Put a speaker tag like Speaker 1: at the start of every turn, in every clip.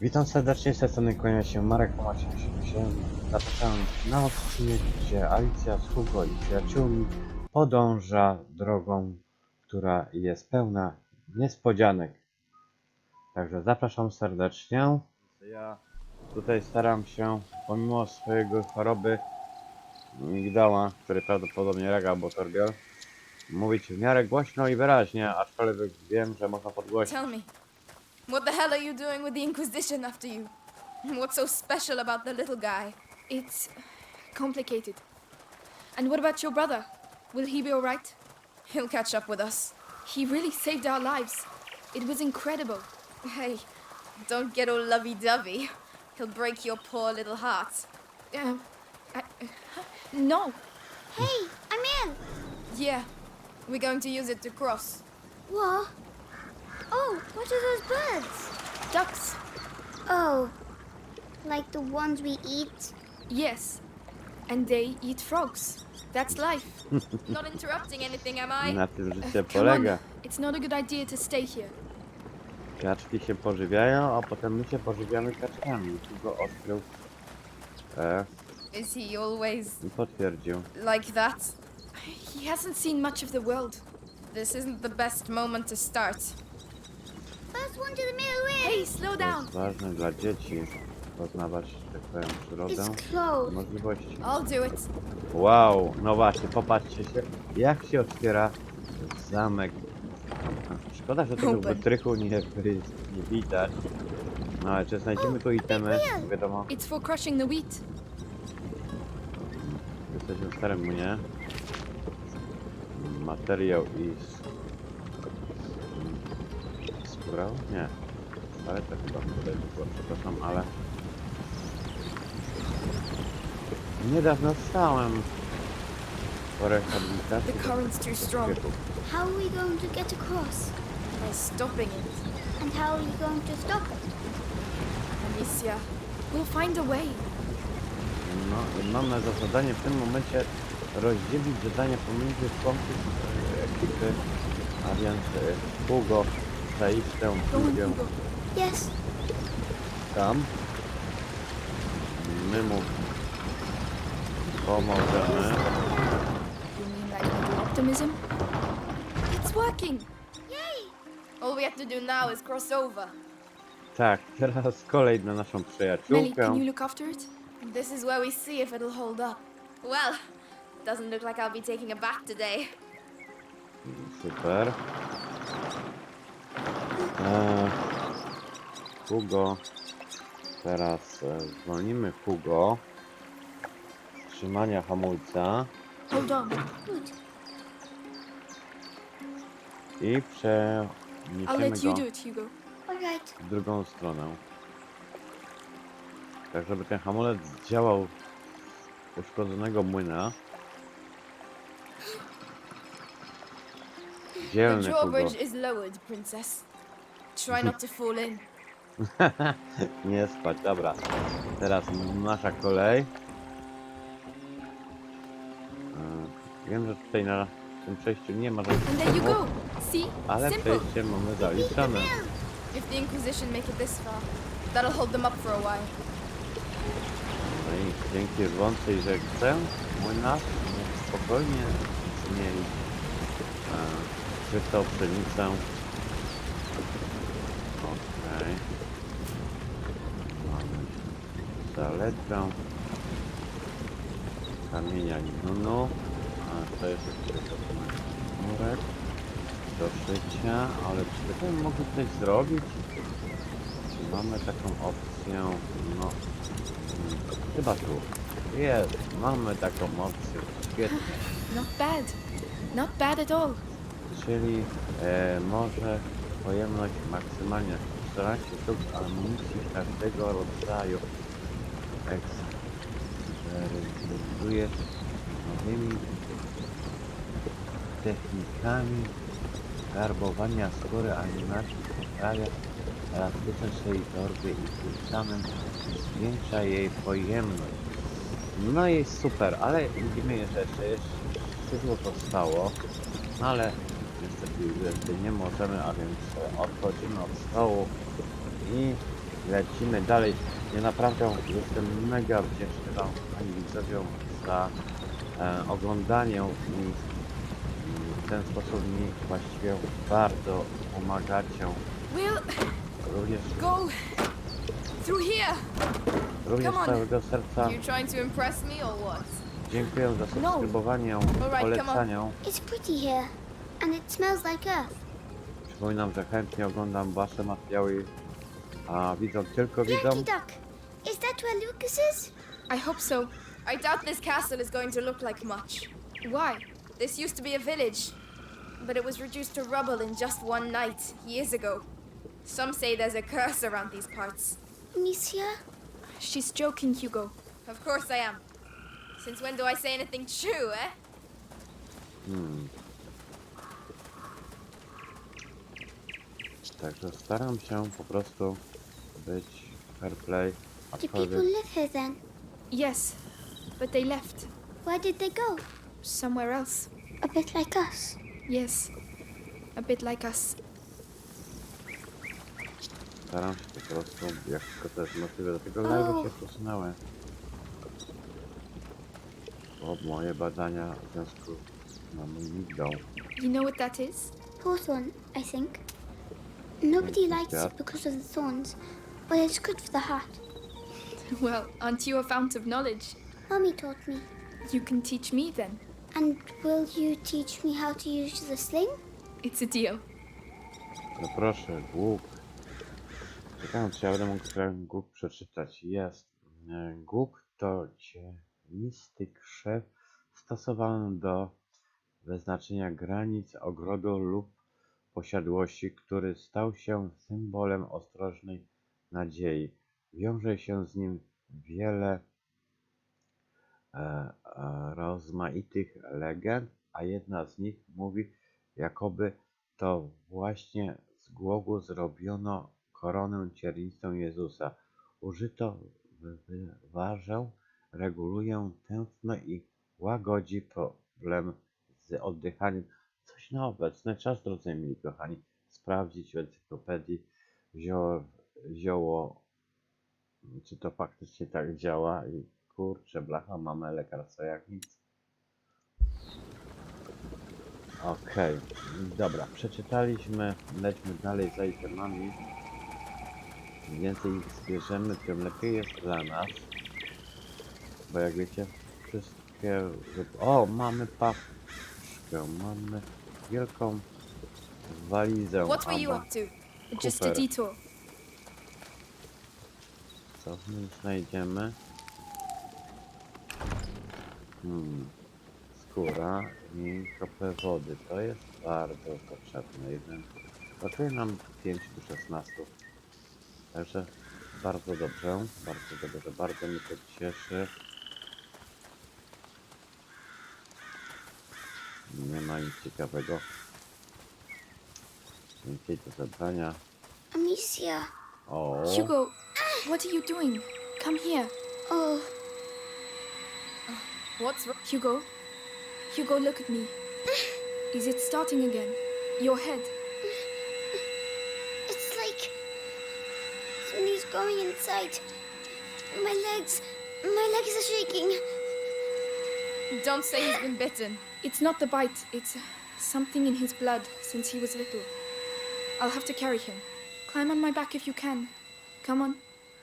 Speaker 1: Witam serdecznie, z tej strony kłania się Marek Tomasz 88. Zapraszam na odcinek, gdzie Alicja z Hugo i przyjaciółmi podąża drogą, która jest pełna niespodzianek. Także zapraszam serdecznie. Ja tutaj staram się, pomimo swojego choroby migdała, który prawdopodobnie rega Botorbiel, mówić w miarę głośno i wyraźnie, aczkolwiek wiem, że można podgłośnić.
Speaker 2: Tell me, what the hell are you doing with the Inquisition after you? What's so special about the little guy? It's complicated. And what about your brother? Will he be alright? He'll catch up with us. He really saved our lives. It was incredible. Hey, don't get all lovey-dovey. He'll break your poor little heart. No.
Speaker 3: Hey, I'm in!
Speaker 2: Yeah, we're going to use it to cross.
Speaker 3: What? Oh, what are those birds?
Speaker 2: Ducks.
Speaker 3: Oh, like the ones we eat?
Speaker 2: Yes. And they eat frogs. That's life. Not interrupting anything, am I?
Speaker 1: Na tym życie
Speaker 2: Come on.
Speaker 1: polega.
Speaker 2: It's not a good idea to stay here.
Speaker 1: Kaczki się pożywiają, a potem my się pożywiamy kaczkami. Tu go odkrył
Speaker 2: Is he always
Speaker 1: i potwierdził.
Speaker 2: like that? He hasn't seen much of the world. This isn't the best moment to start.
Speaker 3: First one to the middle ring!
Speaker 2: Hey, slow
Speaker 1: To
Speaker 2: down.
Speaker 1: jest ważne dla dzieci poznawać, że tak powiem, przyrodę
Speaker 3: It's
Speaker 1: i
Speaker 3: closed.
Speaker 1: możliwości.
Speaker 2: I'll do it.
Speaker 1: Wow, no właśnie, popatrzcie się, jak się otwiera zamek. Szkoda, że tego
Speaker 2: Open.
Speaker 1: wytrychu nie widać. No ale czy znajdziemy tu itemy? Wiadomo,
Speaker 2: It's for crushing the wheat.
Speaker 1: jesteśmy w starym mnie. Materiał i skóra? Nie. Ale to chyba tutaj było, przepraszam, ale niedawno stałem po rehabilitacji.
Speaker 2: The current's too strong.
Speaker 3: How are we going to get across?
Speaker 2: By stopping it.
Speaker 3: And how are you going to stop it?
Speaker 2: Alicia, we'll find a way.
Speaker 1: No i mamy za zadanie w tym momencie rozdzielić zadanie pomiędzy członków ekipy, a więc Hugo, Zaistę,
Speaker 2: Go on,
Speaker 1: Julię
Speaker 2: Hugo.
Speaker 3: Yes.
Speaker 1: tam. My mu pomożemy.
Speaker 2: You mean like little optimism? It's working.
Speaker 3: Yay!
Speaker 2: All we have to do now is cross over.
Speaker 1: Tak, teraz kolej na naszą
Speaker 2: Melly,
Speaker 1: przyjaciółkę.
Speaker 2: can you look after it? This is where we see if it'll hold up. Well, doesn't look like I'll be taking a bath today.
Speaker 1: Super. Hugo. Teraz zwolnimy Hugo. Trzymania hamulca
Speaker 2: Hold on.
Speaker 3: Good.
Speaker 1: i
Speaker 2: I'll
Speaker 1: przeniesiemy
Speaker 2: let you
Speaker 1: go
Speaker 2: do it, Hugo.
Speaker 3: Alright.
Speaker 1: w drugą stronę. Tak, żeby ten hamulec działał z uszkodzonego młyna.
Speaker 2: The
Speaker 1: Dzielny Hugo.
Speaker 2: drawbridge is lowered, princess. Try not to fall in.
Speaker 1: Nie spać, dobra. Teraz nasza kolej. Wiem, że tutaj na tym przejściu nie ma żadnych
Speaker 2: And there you
Speaker 1: problemów,
Speaker 2: go. See?
Speaker 1: ale
Speaker 2: Simple.
Speaker 1: przejście mamy zaliczone.
Speaker 2: If the Inquisition make it this far, that'll hold them up for a while.
Speaker 1: No i dzięki rwącej rzece młynarz mógł spokojnie zmienić czystą pszenicę. Okej. Mamy zaletę kamienia Nunu. A to jest tylko murek do szycia, ale czy byśmy mogli coś zrobić? Czy mamy taką opcję? No, chyba tu. Jest, mamy taką opcję. Świetnie.
Speaker 2: Not bad. Not bad at all.
Speaker 1: Czyli może pojemność maksymalnie 14 sztuk amunicji każdego rodzaju. Eksperymentuje z nowymi technikami garbowania skóry animacji, poprawia elastyczność tej torby i tym samym zwiększa jej pojemność. No i super, ale widzimy, że jeszcze szydło zostało, ale niestety nie możemy, a więc odchodzimy od stołu i lecimy dalej. Ja naprawdę jestem mega wdzięczny wam, pani widzowie, za oglądanie i w ten sposób mi właściwie bardzo pomagacie.
Speaker 2: We'll
Speaker 1: Również,
Speaker 2: go through here.
Speaker 1: również
Speaker 2: Come
Speaker 1: z
Speaker 2: on.
Speaker 1: całego serca
Speaker 2: You trying to impress me or what?
Speaker 1: dziękuję za subskrybowanie,
Speaker 2: come on.
Speaker 1: polecanie.
Speaker 3: It's pretty here, and it smells like earth.
Speaker 1: Przypominam, że chętnie oglądam wasze materiały, a widzą tylko widzą.
Speaker 3: Yankee Duck, is that where Lucas is?
Speaker 2: I hope so. I doubt this castle is going to look like much. Why? This used to be a village, but it was reduced to rubble in just one night, years ago. Some say there's a curse around these parts.
Speaker 3: Amicia?
Speaker 2: She's joking, Hugo. Of course I am. Since when do I say anything true, eh?
Speaker 1: Także staram się po prostu być fair play,
Speaker 3: Do people
Speaker 1: aczkolwiek
Speaker 3: live here then?
Speaker 2: Yes, but they left.
Speaker 3: Where did they go?
Speaker 2: Somewhere else.
Speaker 3: A bit like us.
Speaker 2: Yes, a bit like us.
Speaker 1: staram się po prostu, jak tylko to jest możliwe, do tego
Speaker 3: O.
Speaker 1: live się przesunąłem. Bo moje badania w związku z moją migdą.
Speaker 2: You know what that is?
Speaker 3: Hawthorn, I think. Nobody
Speaker 1: Yes,
Speaker 3: likes
Speaker 1: Dad.
Speaker 3: it because of the thorns, but it's good for the heart.
Speaker 2: Well, aren't you a fount of knowledge?
Speaker 3: Mommy taught me.
Speaker 2: You can teach me then.
Speaker 3: And will you teach me how to use the sling?
Speaker 2: It's a deal.
Speaker 1: No proszę, Głuk. Czekam, czy ja będę mógł ten Głuk przeczytać. Jest. Głuk to cienisty krzew stosowany do wyznaczenia granic ogrodu lub posiadłości, który stał się symbolem ostrożnej nadziei. Wiąże się z nim wiele rozmaitych legend, a jedna z nich mówi, jakoby to właśnie z głogu zrobiono koronę ciernistą Jezusa. Użyto wyważę, reguluje tętno i łagodzi problem z oddychaniem. Coś na obecny czas, drodzy mili kochani, sprawdzić w encyklopedii zioło, czy to faktycznie tak działa i kurczę, blacha, mamy lekarstwa jak nic. Okej, dobra, przeczytaliśmy, lećmy dalej za itemami. Im więcej ich zbierzemy, tym lepiej jest dla nas. Bo jak wiecie, wszystkie... O, mamy paczkę, mamy wielką walizę.
Speaker 2: What were you
Speaker 1: albo
Speaker 2: up to? Just a
Speaker 1: kufer.
Speaker 2: detour.
Speaker 1: Co w nim znajdziemy? Skóra i krople wody. To jest bardzo potrzebne. Jeden kosztuje nam 5 do 16. Także bardzo dobrze, bardzo mnie to cieszy. Nie ma nic ciekawego. Więcej do zabrania.
Speaker 3: Amicia.
Speaker 1: O,
Speaker 2: Hugo, what are you doing? Come here.
Speaker 3: Oh,
Speaker 2: What's wrong? Hugo? Hugo, look at me. Is it starting again? Your head.
Speaker 3: it's like something's going inside. My legs are shaking.
Speaker 2: Don't say he's been bitten. It's not the bite. It's something in his blood since he was little. I'll have to carry him. Climb on my back if you can. Come on.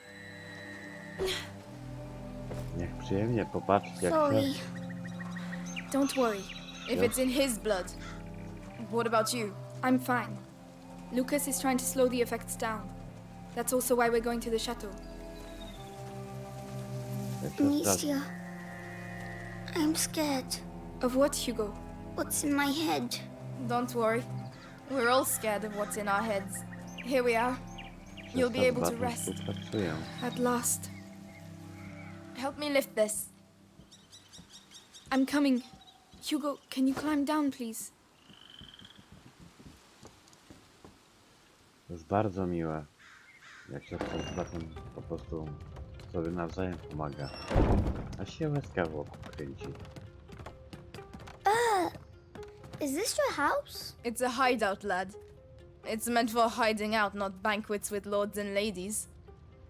Speaker 1: niech przyjemnie popatrzeć jak
Speaker 3: Sorry.
Speaker 1: się...
Speaker 2: Don't worry. If
Speaker 1: Yeah.
Speaker 2: it's in his blood. What about you? I'm fine. Lucas is trying to slow the effects down. That's also why we're going to the chateau.
Speaker 1: jak się zdarzy.
Speaker 3: Amicia. I'm scared.
Speaker 2: Of what, Hugo?
Speaker 3: What's in my head?
Speaker 2: Don't worry. We're all scared of what's in our heads. Here we are. You'll be able to rest.
Speaker 1: Współpracuję.
Speaker 2: At last. Help me lift this. I'm coming. Hugo, can you climb down, please?
Speaker 1: To jest bardzo miłe, jak się z bratem po prostu sobie nawzajem pomaga. A się łezka wokół kręci.
Speaker 3: Is this your house?
Speaker 2: It's a hideout, lad. It's meant for hiding out, not banquets with lords and ladies.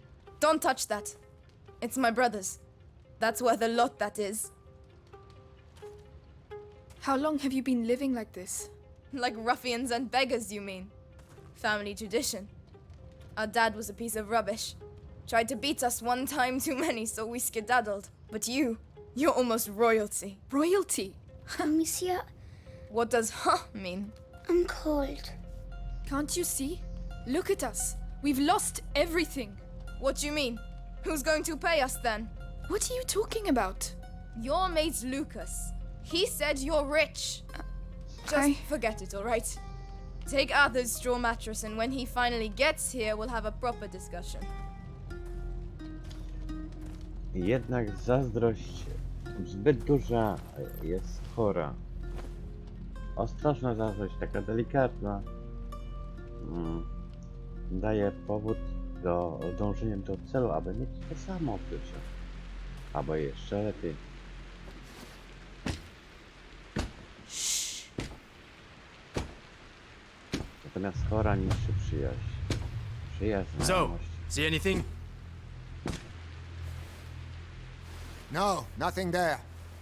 Speaker 2: Don't touch that. It's my brother's. That's worth a lot, that is.
Speaker 4: How long have you been living like this?
Speaker 2: Like ruffians and beggars, you mean? Family tradition. Our dad was a piece of rubbish. Tried to beat us one time too many, so we skedaddled. But you're almost royalty.
Speaker 4: Royalty?
Speaker 3: Monsieur,
Speaker 2: What does huh mean?
Speaker 3: I'm cold.
Speaker 4: Can't you see? Look at us. We've lost everything.
Speaker 2: What do you mean? Who's going to pay us then?
Speaker 4: What are you talking about?
Speaker 2: Your mate Lucas. He said you're rich. Just
Speaker 4: I-
Speaker 2: forget it, alright? Take Arthur's straw mattress, and when he finally gets here, we'll have a proper discussion.
Speaker 1: Jednak zazdrość zbyt duża jest chora. Ostrożna zazdrość, taka delikatna, daje powód do dążenia do celu, aby mieć to samo w życiu. Albo jeszcze lepiej. Natomiast chora niższy przyjaźń. Przyjaźń,
Speaker 5: So,
Speaker 1: znajomość.
Speaker 5: see anything?
Speaker 6: No, nothing there.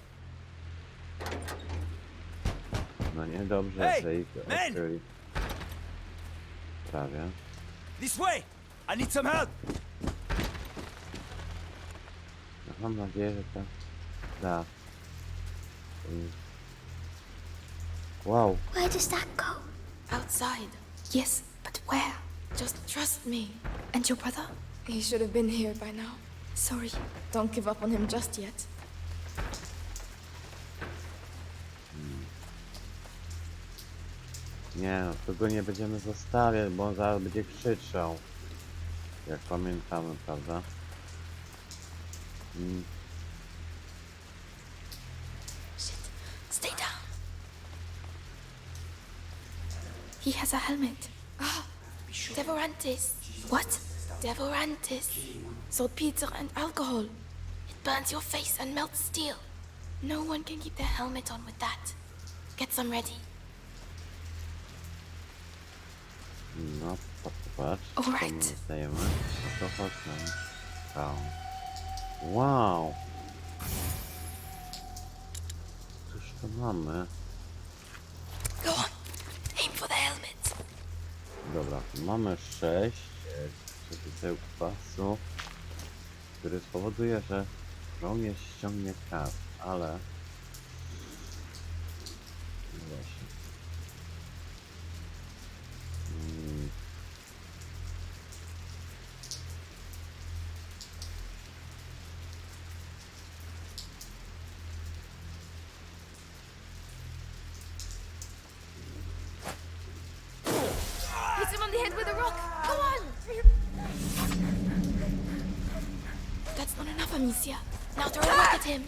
Speaker 1: No nie, dobrze,
Speaker 5: Hey,
Speaker 1: że ich
Speaker 5: men!
Speaker 1: odkryli. Prawie.
Speaker 5: This way! I need some help!
Speaker 1: No, mam nadzieję, że to da. Wow,
Speaker 3: Where does that go?
Speaker 2: Outside.
Speaker 4: Yes, but where?
Speaker 2: Just trust me.
Speaker 4: And your brother?
Speaker 2: He should have been here by now.
Speaker 4: Sorry.
Speaker 2: Don't give up on him just yet.
Speaker 1: nie no, tu go nie będziemy zostawiać, bo on zaraz będzie krzyczał. Jak pamiętamy, prawda?
Speaker 4: Shit. Stay down. He has a helmet.
Speaker 2: Devorantis.
Speaker 4: What?
Speaker 2: Devorantis. Saltpeter and alcohol. It burns your face and melts steel. No one can keep their helmet on with that. Get some ready.
Speaker 1: No, patrz, co
Speaker 4: Alright.
Speaker 1: my dostajemy. No to chodź nam. Wow. Wow! Cóż to mamy?
Speaker 2: Go on. Aim for the helmet.
Speaker 1: Dobra, mamy 6 przepiseł kwasu, który spowoduje, że żołnierz ściągnie kas, ale... No właśnie.
Speaker 2: Hit him on the head with a rock. Go on. That's not enough, Amicia. Now throw a rock at him.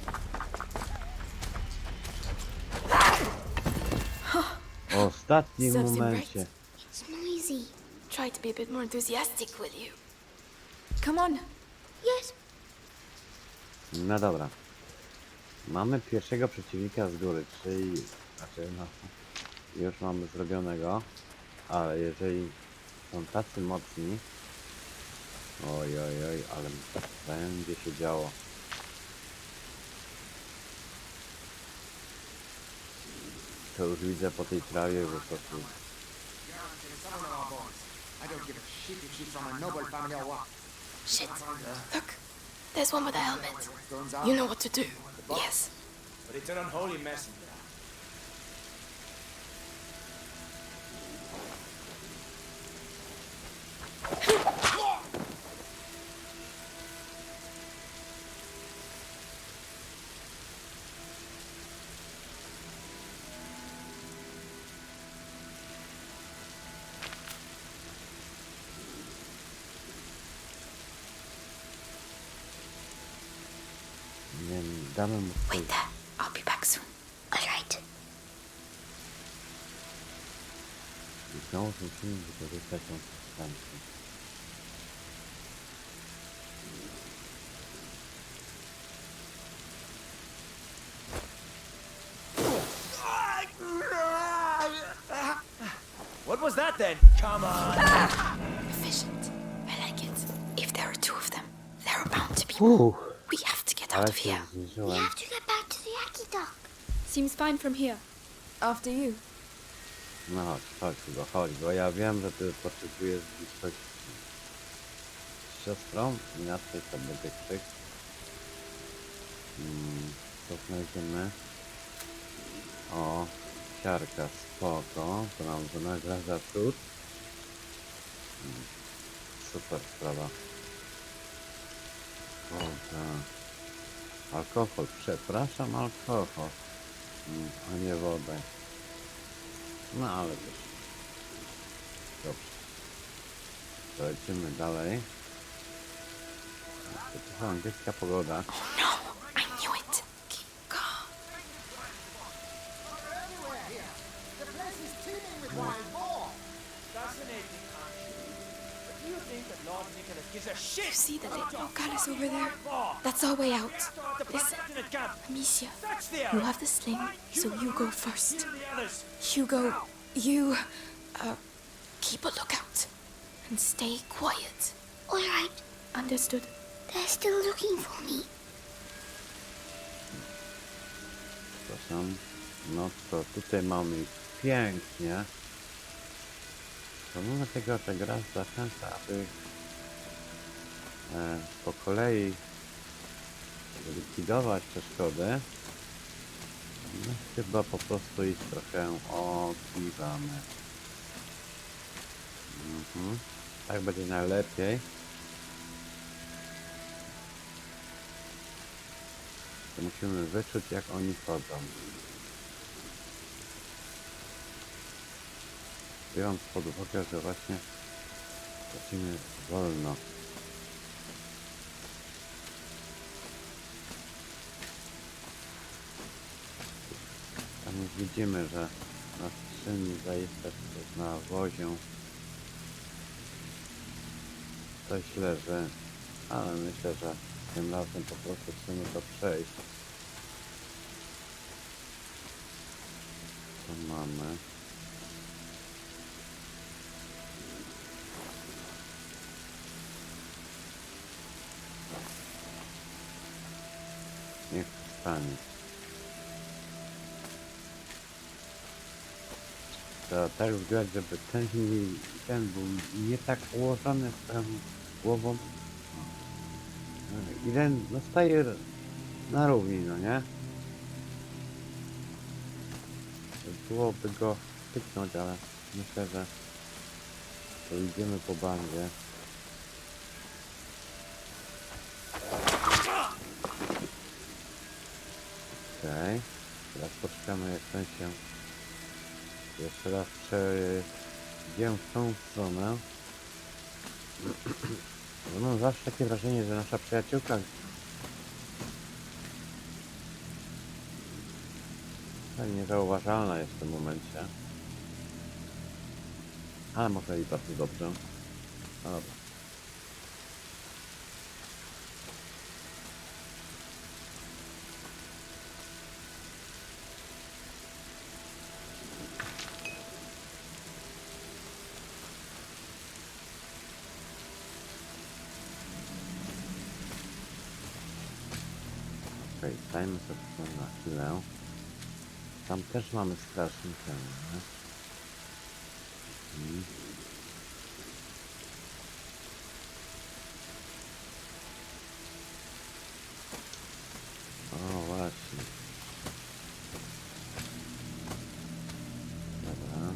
Speaker 1: W ostatnim
Speaker 2: Serves him
Speaker 1: momencie.
Speaker 2: right.
Speaker 3: It's noisy.
Speaker 2: Try to be a bit more enthusiastic, will you?
Speaker 4: Come on.
Speaker 3: Yes.
Speaker 1: No dobra. Mamy pierwszego przeciwnika z góry, czyli... Znaczy, no... Już mamy zrobionego. Ale jeżeli są tacy mocni... Oj, oj, oj, ale będzie się działo. To już widzę po tej trawie, że to tu...
Speaker 6: I don't give a shit if she's from a noble family or what.
Speaker 2: Shit. Look. There's one with a helmet.
Speaker 6: Guns out.
Speaker 2: You know what to do. Yes.
Speaker 5: But it's an unholy messenger.
Speaker 1: Nie wiem, damy mu swój...
Speaker 4: Wait there. I'll be back soon.
Speaker 3: All right.
Speaker 1: I znowu musimy wykorzystać tą substancję.
Speaker 5: What was that then? Come on!
Speaker 4: Efficient. I like it. If there are two of them.
Speaker 2: We have to get out
Speaker 1: Ale
Speaker 2: of
Speaker 1: się
Speaker 2: here.
Speaker 3: We
Speaker 1: zniżyłem.
Speaker 3: have to get back to the Yaki dock.
Speaker 4: Seems fine from here.
Speaker 2: After you.
Speaker 1: No chodź, bo ja wiem, że ty potrzebujesz bliskości z siostrą, inaczej to będzie krzyk. Co znajdziemy? O, siarka, spoko, to nam wynagradza trud. Super sprawa. O, tak. Alkohol, przepraszam, alkohol, a nie wodę. No ale też. Dobrze. To lecimy dalej. To angielska pogoda.
Speaker 2: No, I knew it. Keep calm.
Speaker 6: Everywhere here. The place is teeming with wild boar.
Speaker 5: Fascinating, actually. But do you think that Lord Nicholas gives a shit?
Speaker 2: You see the little palace over there?
Speaker 5: Boar.
Speaker 2: That's our way out.
Speaker 5: The
Speaker 2: Listen,
Speaker 5: protecting camp.
Speaker 2: Amicia,
Speaker 5: That's there.
Speaker 2: you have the sling, so you go first.
Speaker 5: Kill the others.
Speaker 2: Hugo, you, keep a lookout. And stay quiet.
Speaker 3: All right.
Speaker 2: Understood?
Speaker 3: They're still looking for me.
Speaker 1: Przepraszam. No to tutaj mamy pięknie. Pomimo tego, że gra zachęca, aby po kolei likwidować przeszkody, no chyba po prostu ich trochę odkiwamy. Tak będzie najlepiej. To musimy wyczuć, jak oni chodzą. Biorąc pod uwagę, że właśnie chodzimy wolno. Tam już widzimy, że na skrzyni zaiste na wozie coś leży, ale myślę, że tym razem po prostu chcemy to przejść. Co mamy? Niech to stanie. To tak wygląda, żeby ten był nie tak ułożony z tą głową. I ten zostaje na równi, no nie? Byłoby go styknąć, ale myślę, że to idziemy po bandzie. Okej. Teraz poczekamy, jak ten się jeszcze raz przejdziemy w tą stronę. Bo mam zawsze takie wrażenie, że nasza przyjaciółka tak niezauważalna jest w tym momencie. Ale może i bardzo dobrze. No dobra. Okej, stajmy sobie tu na chwilę. Tam też mamy strażnika, nie? O, właśnie. Dobra.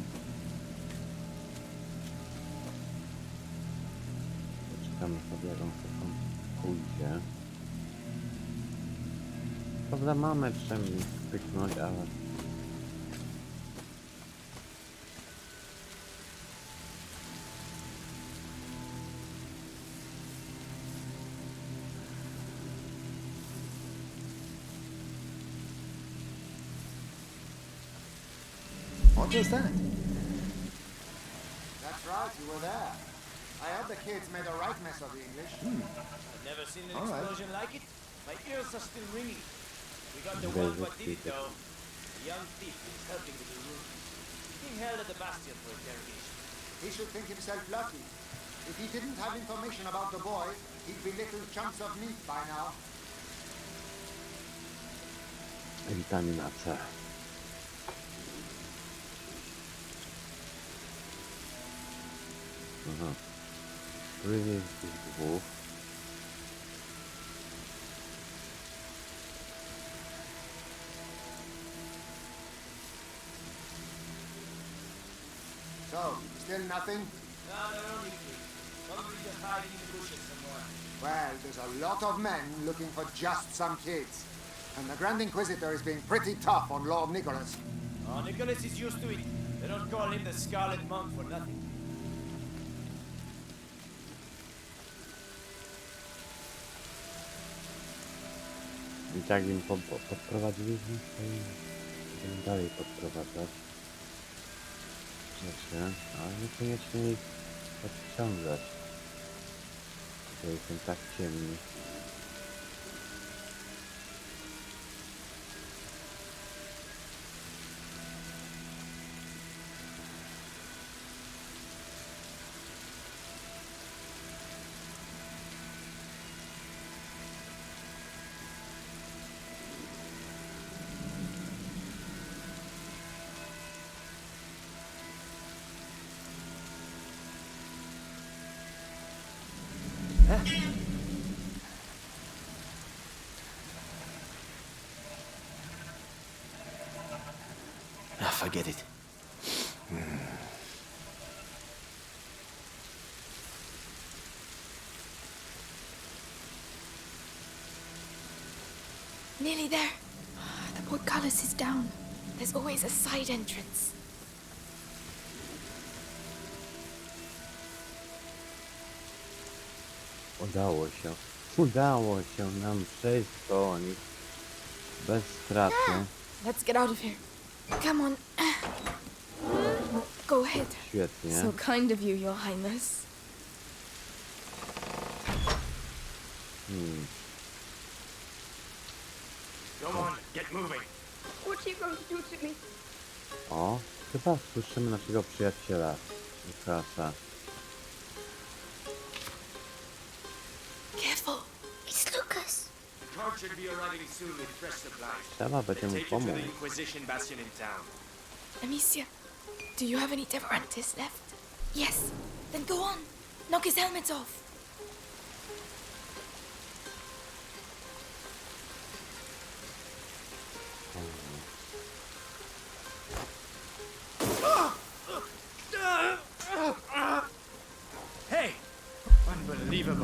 Speaker 1: Poczekamy sobie, jak on sobie pójdzie. Prawda, mamy czym pyknąć, ale...
Speaker 6: What was that? That's right, you were there. I hope the kids made a right mess of the English.
Speaker 5: I've never seen an
Speaker 6: All right.
Speaker 5: explosion like it. My ears are still ringing. We got the
Speaker 1: Very
Speaker 5: one what did it
Speaker 1: good.
Speaker 5: though. A young thief who's helping with the room. Being held at the bastion for interrogation.
Speaker 6: He should think himself lucky. If he didn't have information about the boy, He'd be little chunks of meat by now.
Speaker 1: Witamina C. Aha. Który jest z tych dwóch?
Speaker 6: So, still nothing?
Speaker 5: No, they're only kids. Probably just hiding in the bushes somewhere.
Speaker 6: Well, there's a lot of men looking for just some kids. And the Grand Inquisitor is being pretty tough on Lord Nicholas.
Speaker 5: Oh, Nicholas is used to it. They don't call him the Scarlet Monk for nothing.
Speaker 1: I tak im podprowadziliśmy i będziemy dalej podprowadzać rzeczy, ale niekoniecznie ich odciągać. Tutaj są tak ciemni.
Speaker 5: Ah, forget it.
Speaker 2: Nearly there. The portcullis is down. There's always a side entrance.
Speaker 1: Udało się nam przejść koło nich bez straty.
Speaker 2: Let's get out of here. Come on. Go ahead.
Speaker 1: Świetnie.
Speaker 2: So kind of you, Your Highness.
Speaker 5: Come on, get moving.
Speaker 4: What are you going to do to me?
Speaker 1: O, chyba słyszymy naszego przyjaciela Lukasa.
Speaker 2: Careful.
Speaker 3: It's Lucas.
Speaker 5: The cart should be arriving soon with fresh supplies.
Speaker 1: Trzeba będzie mu
Speaker 5: Take you to
Speaker 1: pomóc.
Speaker 5: the Inquisition bastion in town.
Speaker 2: Amicia, do you have any Deverantis left? Yes. Then go on. Knock his helmet off.
Speaker 5: Hey! Unbelievable.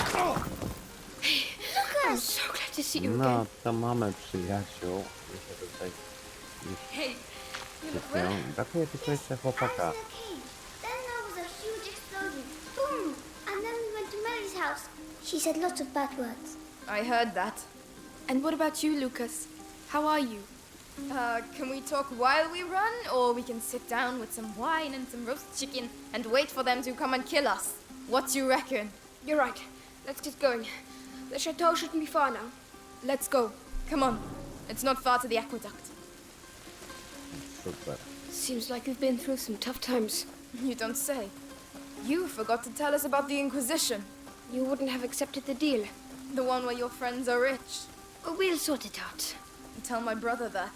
Speaker 4: I'm so glad to see you again.
Speaker 1: No, to mamy przyjaciół. Myślę, że tutaj już
Speaker 4: Hey, you look well.
Speaker 1: się. Brakuje tylko jeszcze chłopaka.
Speaker 3: Okay. Then there was a huge explosion. Boom! And then we went to Mary's house. She said lots of bad words.
Speaker 2: I heard that. And what about you, Lucas? How are you? Can we talk while we run, or we can sit down with some wine and some roast chicken and wait for them to come and kill us? What do you reckon?
Speaker 4: You're right. Let's get going. The chateau shouldn't be far now.
Speaker 2: Let's go. Come on. It's not far to the aqueduct.
Speaker 1: Super.
Speaker 4: Seems like we've been through some tough times.
Speaker 2: You don't say. You forgot to tell us about the Inquisition.
Speaker 4: You wouldn't have accepted the deal.
Speaker 2: The one where your friends are rich.
Speaker 4: But we'll sort it out.
Speaker 2: Tell my brother that.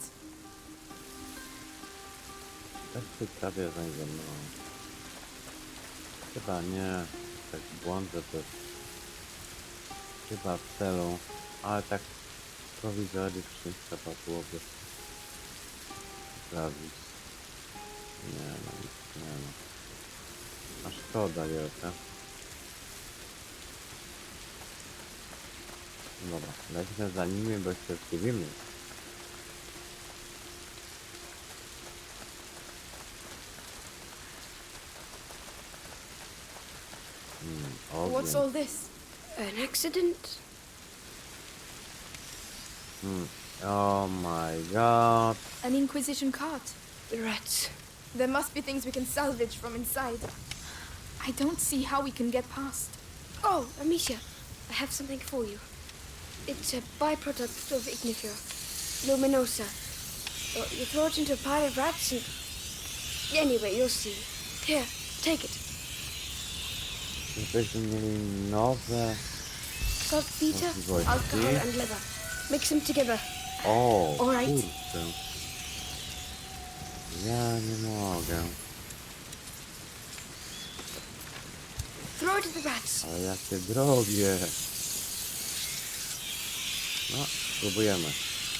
Speaker 1: Też tu prawie za mną. Chyba nie. Tak błądzę też. Chyba w celu. Ale tak prowizorycznie trzeba byłoby sprawić. Nie no, nic nie no. A szkoda wielka. Dobra, lećmy za nimi, bo się zgubimy.
Speaker 2: What's all this?
Speaker 4: An accident?
Speaker 1: Oh my god.
Speaker 2: An Inquisition cart.
Speaker 4: The rats.
Speaker 2: There must be things we can salvage from inside. I don't see how we can get past.
Speaker 4: Oh, Amicia, I have something for you. It's a byproduct of Ignifer, luminosa. Well, you throw it into a pile of rats and... Anyway, you'll see. Here, take it.
Speaker 1: Żebyśmy mieli nowe
Speaker 4: Saltpeter,
Speaker 1: Możliwości.
Speaker 4: alcohol and leather. Mix them together.
Speaker 1: O,
Speaker 4: Alright.
Speaker 1: kurczę. Ja nie mogę.
Speaker 4: Throw it to the rats.
Speaker 1: Ale jakie drogie. No, spróbujemy.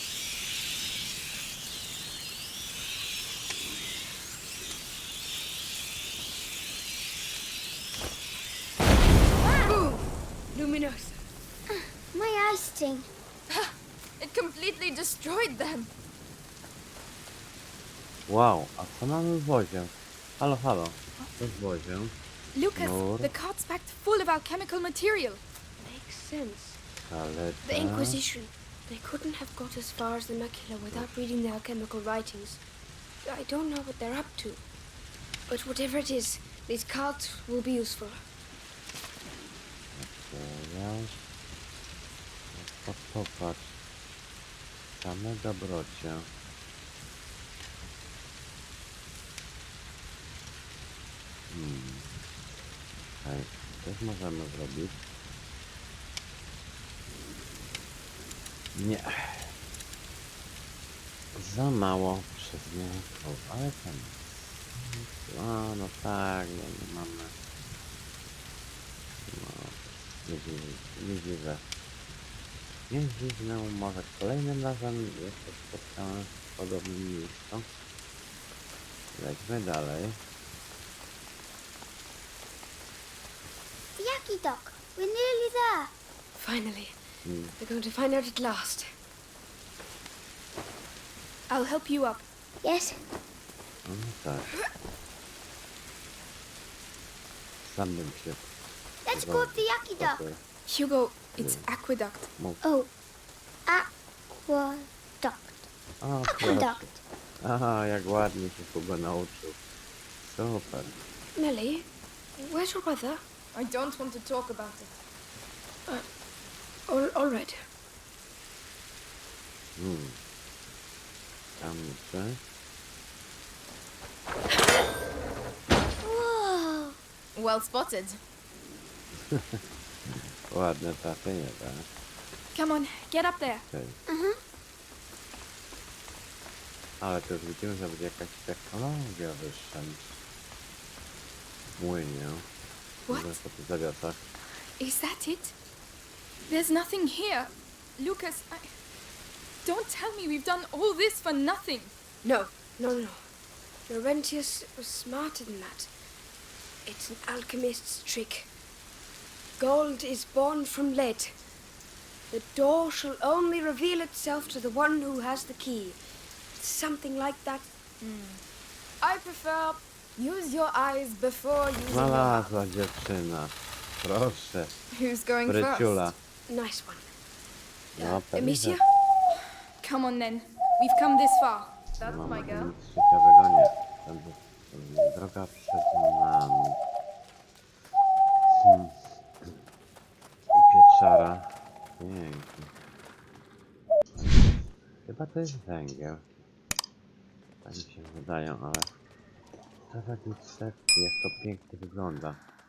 Speaker 4: Boom! Luminosa.
Speaker 3: My eyes sting.
Speaker 2: It completely destroyed them.
Speaker 1: Wow, a co mamy w wozie? Halo, halo. Co w wozie?
Speaker 2: Lucas,
Speaker 1: Nur.
Speaker 2: the cart's packed full of alchemical material.
Speaker 4: Makes sense. The
Speaker 1: Kaleta.
Speaker 4: Inquisition. They couldn't have got as far as the macula without reading the alchemical writings. I don't know what they're up to. But whatever it is, these cards will be useful.
Speaker 1: Materiał. No, popatrz. Same dobrocie. Okej, też możemy zrobić. Nie. Za mało przedmiotów, ale tam. A, no tak, no nie mamy. No, nie dziwę. Nie dziwne, może kolejnym razem jeszcze spotkamy w podobnym miejscu. Lećmy dalej.
Speaker 3: The Yaki Dock. We're nearly there.
Speaker 4: Finally. They're going to find out at last.
Speaker 2: I'll help you up.
Speaker 3: Yes.
Speaker 1: No tak. Sam bym się
Speaker 3: Let's go up the Yaki Dock.
Speaker 1: potem
Speaker 2: Hugo, it's aqueduct.
Speaker 1: mógł.
Speaker 3: Oh, aqueduct.
Speaker 1: O, proszę.
Speaker 3: Aqueduct.
Speaker 1: Aha, jak ładnie się Hugo nauczył. Super.
Speaker 4: Nellie, where's your brother?
Speaker 2: I don't want to talk about it.
Speaker 4: All right.
Speaker 1: Tam jeszcze.
Speaker 3: Whoa.
Speaker 2: Well spotted.
Speaker 1: Ładne trafienie, tak?
Speaker 2: Come on, get up there.
Speaker 1: Okej. Ale to już widzimy, że będzie jakaś technologia wyższa niż w młynie.
Speaker 2: What?
Speaker 1: Może po tych zawiasach.
Speaker 2: Is that it? There's nothing here. Lucas, don't tell me we've done all this for nothing.
Speaker 4: No. Laurentius was smarter than that. It's an alchemist's trick. Gold is born from lead. The door shall only reveal itself to the one who has the key. Something like that.
Speaker 2: I prefer use your eyes before using your
Speaker 1: Znalazła dziewczyna. Proszę.
Speaker 2: Who's going
Speaker 1: Bryciula.
Speaker 4: Nice one.
Speaker 1: No, pewnie,
Speaker 4: Amicia?
Speaker 1: że
Speaker 2: first? Come on then. We've come this far. That's
Speaker 1: no,
Speaker 2: my girl.
Speaker 1: nic ciekawego nie. Droga przed nami. I pieczara. Pięknie. Chyba to jest węgiel. Tak mi się wydaje, ale... To według sekcji, jak to pięknie wygląda.